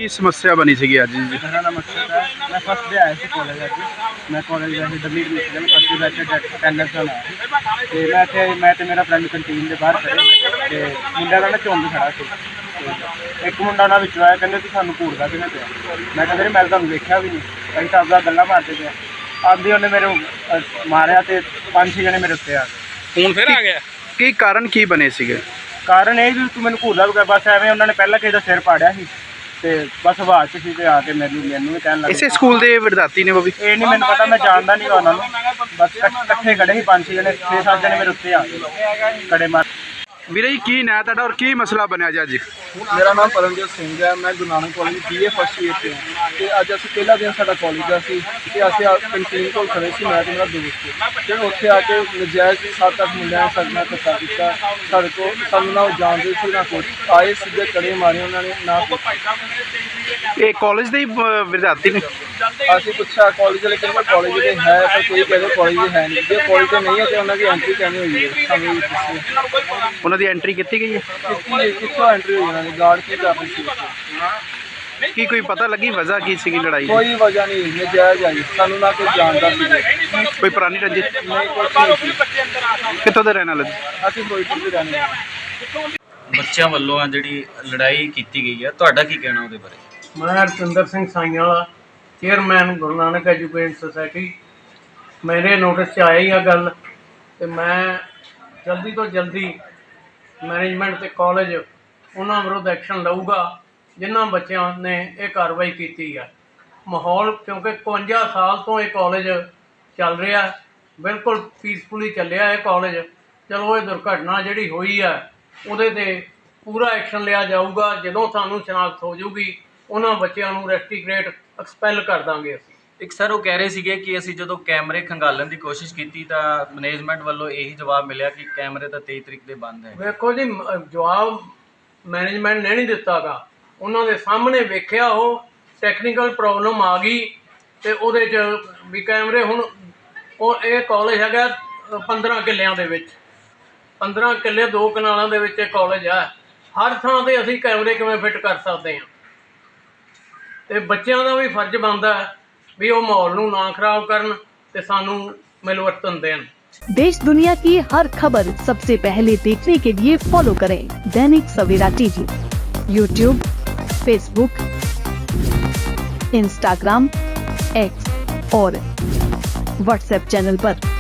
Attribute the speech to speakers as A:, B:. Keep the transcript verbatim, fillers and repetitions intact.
A: ਕੀ ਸਮੱਸਿਆ ਬਣੀ ਸੀਗੀ ਅੱਜ ਜੀ?
B: मेरा नाम अक्षत है। मैं फर्स्ट डे आया सी कॉलेज अज। मैं कॉलेज वैसे डब्ल्यू एडमिशन में फर्स्ट बैच अटेंडेंस ਨਾਲ ਆਇਆ ਤੇ ਮੈਂ ਇੱਥੇ ਮੈਂ ਤੇ ਮੇਰਾ ਫਰੈਂਡ ਕੰਟੀਨ ਦੇ ਬਾਹਰ ਖੜੇ ਤੇ ਮੁੰਡਿਆਂ ਦਾ ਨਾ ਝੁੰਡ ਖੜਾ ਸੀ ਤੇ ਇੱਕ ਮੁੰਡਾ ਉਹਨਾਂ ਵਿੱਚੋਂ ਆਇਆ, ਕਹਿੰਦੇ ਕਿ ਸਾਨੂੰ ਘੂਰਦਾ ਕਿਹਨੇ ਪਿਆ। ਮੈਂ ਕਹਿੰਦਾ ਮੈਂ ਤੁਹਾਨੂੰ ਵੇਖਿਆ ਵੀ ਨਹੀਂ, ਅਸੀਂ ਤਾਂ ਆਪਦਾ ਗੱਲਾਂ ਮਾਰਦੇ ਪਏ। ਆਂਦੀ ਉਹਨੇ ਮੇਰੇ ਅਹ, ਮਾਰਿਆ ਤੇ ਪੰਜ ਛੇ ਜਣੇ ਮੇਰੇ ਉੱਤੇ ਆ ਗਏ।
C: ਹੁਣ ਫਿਰ ਆ ਗਿਆ।
A: ਕੀ ਕਾਰਨ ਕੀ ਬਣੇ ਸੀਗੇ?
B: ਕਾਰਨ ਇਹ ਵੀ ਤੂੰ ਮੈਨੂੰ ਘੂਰਦਾ ਵੀ ਬਸ ਐਵੇਂ ਉਹਨਾਂ ਨੇ ਪਹਿਲਾਂ ਕਿਸੇ ਦਾ ਸਿਰ ਪਾੜਿਆ ਸੀ ਤੇ ਬਸ ਆਵਾਜ਼ 'ਚ ਸੀ ਤੇ ਆ ਕੇ ਮੈਨੂੰ ਮੈਨੂੰ ਵੀ ਕਹਿਣ ਲੱਗ
A: ਇਸੇ ਸਕੂਲ ਦੇ ਵਿਦਿਆਰਥੀ ਨੇ ਉਹ ਵੀ?
B: ਇਹ ਨਹੀਂ ਮੈਨੂੰ ਪਤਾ, ਮੈਂ ਜਾਣਦਾ ਨਹੀਂ ਉਹਨਾਂ ਨੂੰ। ਬਸ ਇਕੱਠ- ਇਕੱਠੇ ਖੜੇ ਸੀ ਪੰਜ ਛੇ ਜਣੇ, ਛੇ ਸੱਤ ਜਣੇ ਮੇਰੇ ਉੱਤੇ ਆ ਗਏ ਕੜੇ ਮਾਰ।
A: ਵੀਰੇ ਜੀ ਕੀ ਨਾਂ ਤੁਹਾਡਾ ਔਰ ਕੀ ਮਸਲਾ ਬਣਿਆ ਜੀ ਅੱਜ?
D: ਮੇਰਾ ਨਾਮ ਪਰਮਜੀਤ ਸਿੰਘ ਹੈ। ਮੈਂ Guru Nanak college B A first year 'ਚ ਹਾਂ ਤੇ ਅੱਜ ਅਸੀਂ ਪਹਿਲਾ ਦਿਨ ਸਾਡਾ ਕਾਲਜ ਦਾ ਸੀ ਤੇ ਅਸੀਂ ਆ ਕੰਟੀਨ ਕੋਲ ਖੜੇ ਸੀ, ਮੈਂ ਤੇ ਮੇਰਾ ਦੋਸਤ। ਤੇ ਉੱਥੇ ਆ ਕੇ ਨਜਾਇਜ਼ ਸੱਤ ਅੱਠ ਮੁੰਡਿਆਂ ਨੇ ਸਾਡੇ ਨਾਲ ਧੱਕਾ ਕੀਤਾ। ਸਾਡੇ ਕੋਲ ਸਾਨੂੰ ਨਾ ਉਹ ਜਾਣਦੇ ਸੀ ਨਾ ਕੁਛ, ਆਏ ਸਿੱਧੇ ਕੜੇ ਮਾਰੇ ਉਹਨਾਂ ਨੇ ਨਾ ਕੁਛ।
A: ਇਹ ਕਾਲਜ ਦੇ ਹੀ ਅਹ, ਵਿਦਿਆਰਥੀ ਨੇ?
D: ਅਸੀਂ ਪੁੱਛਿਆ ਕਾਲਜ ਵਾਲੇ ਕਹਿੰਦੇ ਕਾਲਜ ਦੇ ਹੈ, ਪਰ ਕੋਈ ਕਹਿੰਦੇ ਕਾਲਜ ਦੇ ਹੈ ਨਹੀਂ। ਜੇ ਕਾਲਜ ਦੇ ਨਹੀਂ ਹੈ ਤੇ ਉਹਨਾਂ ਦੀ ਐਂਟਰੀ ਕਿਵੇਂ ਹੋਈ ਹੈ ਸਾਨੂੰ ਵੀ ਦੱਸੋ।
A: ਉਹਨਾਂ ਦੀ ਐਂਟਰੀ ਕੀਤੀ ਗਈ ਹੈ?
D: ਕਿੱਥੇ ਕਿੱਥੋਂ ਐਂਟਰੀ ਹੋਈ ਉਹਨਾਂ ਦੀ? ਗਾਰਡ ਕੀ ਕਰ ਰਹੀ ਸੀ?
A: ਕੀ ਕੋਈ ਪਤਾ ਲੱਗੀ ਵਜ੍ਹਾ ਕੀ ਸੀਗੀ ਲੜਾਈ ਦੀ?
D: ਕੋਈ ਵਜ੍ਹਾ ਨਹੀਂ, ਨਜਾਇਜ਼ ਆਈ। ਸਾਨੂੰ ਨਾ ਕੋਈ ਜਾਣਦਾ ਸੀ,
A: ਕੋਈ ਪੁਰਾਣੀ ਰੰਜਿਸ਼?
D: ਨਹੀਂ ਕੁਛ ਨਹੀਂ ਸੀ।
A: ਕਿੱਥੋਂ ਦੇ ਰਹਿਣ ਵਾਲੇ?
D: ਅਸੀਂ ਫਿਰੋਜ਼ਪੁਰ ਦੇ ਰਹਿੰਦੇ ਹਾਂ।
C: ਬੱਚਿਆਂ ਵੱਲੋਂ ਆ ਜਿਹੜੀ ਲੜਾਈ ਕੀਤੀ ਗਈ ਹੈ, ਤੁਹਾਡਾ ਕੀ ਕਹਿਣਾ ਉਹਦੇ ਬਾਰੇ?
E: ਮੈਂ ਹਰਚੰਦਰ Singh Saiyan Wala, chairman Guru Nanak education society. ਮੇਰੇ ਨੋਟਿਸ 'ਚ ਆਇਆ ਹੀ ਆ ਗੱਲ ਤੇ ਮੈਂ ਜਲਦੀ ਤੋਂ ਜਲਦੀ ਮੈਨੇਜਮੈਂਟ ਤੇ ਕਾਲਜ ਉਹਨਾਂ ਵਿਰੁੱਧ ਐਕਸ਼ਨ ਲਊਗਾ ਜਿਨ੍ਹਾਂ ਬੱਚਿਆਂ ਨੇ ਇਹ ਕਾਰਵਾਈ ਕੀਤੀ ਆ। ਮਾਹੌਲ ਕਿਉਂਕਿ ਇਕਵੰਜਾ ਸਾਲ ਤੋਂ ਇਹ ਕਾਲਜ ਚੱਲ ਰਿਹਾ, ਬਿਲਕੁਲ ਪੀਸਫੁਲੀ ਚੱਲਿਆ ਇਹ ਕਾਲਜ। ਚਲੋ ਇਹ ਦੁਰਘਟਨਾ ਜਿਹੜੀ ਹੋਈ ਆ ਉਹਦੇ 'ਤੇ ਪੂਰਾ ਐਕਸ਼ਨ ਲਿਆ ਜਾਊਗਾ। ਜਦੋਂ ਸਾਨੂੰ ਸ਼ਨਾਖਤ ਹੋ ਜਾਊਗੀ ਉਹਨਾਂ ਬੱਚਿਆਂ ਨੂੰ ਰੈਸਟੀਗ੍ਰੇਟ ਐਕਸਪੈਲ ਕਰ ਦਾਂਗੇ ਅਸੀਂ।
C: ਇੱਕ ਸਰ ਉਹ ਕਹਿ ਰਹੇ ਸੀਗੇ ਕਿ ਅਸੀਂ ਜਦੋਂ ਕੈਮਰੇ ਖੰਗਾਲਣ ਦੀ ਕੋਸ਼ਿਸ਼ ਕੀਤੀ ਤਾਂ ਮੈਨੇਜਮੈਂਟ ਵੱਲੋਂ ਇਹੀ ਜਵਾਬ ਮਿਲਿਆ ਕਿ ਕੈਮਰੇ ਤਾਂ ਤੇਈ ਤਰੀਕ ਦੇ ਬੰਦ ਹੈ।
E: ਵੇਖੋ ਜੀ, ਮ- ਜਵਾਬ ਮੈਨੇਜਮੈਂਟ ਨੇ ਨਹੀਂ ਦਿੱਤਾ ਗਾ। ਉਹਨਾਂ ਦੇ ਸਾਹਮਣੇ ਵੇਖਿਆ ਉਹ ਟੈਕਨੀਕਲ ਪ੍ਰੋਬਲਮ ਆ ਗਈ ਤੇ ਉਹਦੇ 'ਚ ਵੀ ਕੈਮਰੇ ਹੁਣ ਉਹ ਇਹ ਕਾਲਜ ਹੈਗਾ ਪੰਦਰਾਂ ਕਿੱਲਿਆਂ ਦੇ ਵਿੱਚ, ਪੰਦਰਾਂ ਕਿੱਲੇ ਦੋ ਕਨਾਲਾਂ ਦੇ ਵਿੱਚ ਇਹ ਕਾਲਜ ਹੈ। ਹਰ ਥਾਂ 'ਤੇ ਅਸੀਂ ਕੈਮਰੇ ਕਿਵੇਂ ਫਿੱਟ ਕਰ ਸਕਦੇ ਹਾਂ? ਤੇ ਬੱਚਿਆਂ ਦਾ ਵੀ ਫਰਜ਼ ਬਣਦਾ ਹੈ ਵੀ ਉਹ ਮਾਹੌਲ ਨੂੰ ਨਾ ਖਰਾਬ ਕਰਨ ਤੇ ਸਾਨੂੰ ਮਿਲਵਰਤਨ दें।
F: देश दुनिया की हर खबर सबसे पहले देखने के लिए फॉलो करें Dainik Savera TV, YouTube, Facebook, Instagram, X और व्हाट्सएप चैनल पर।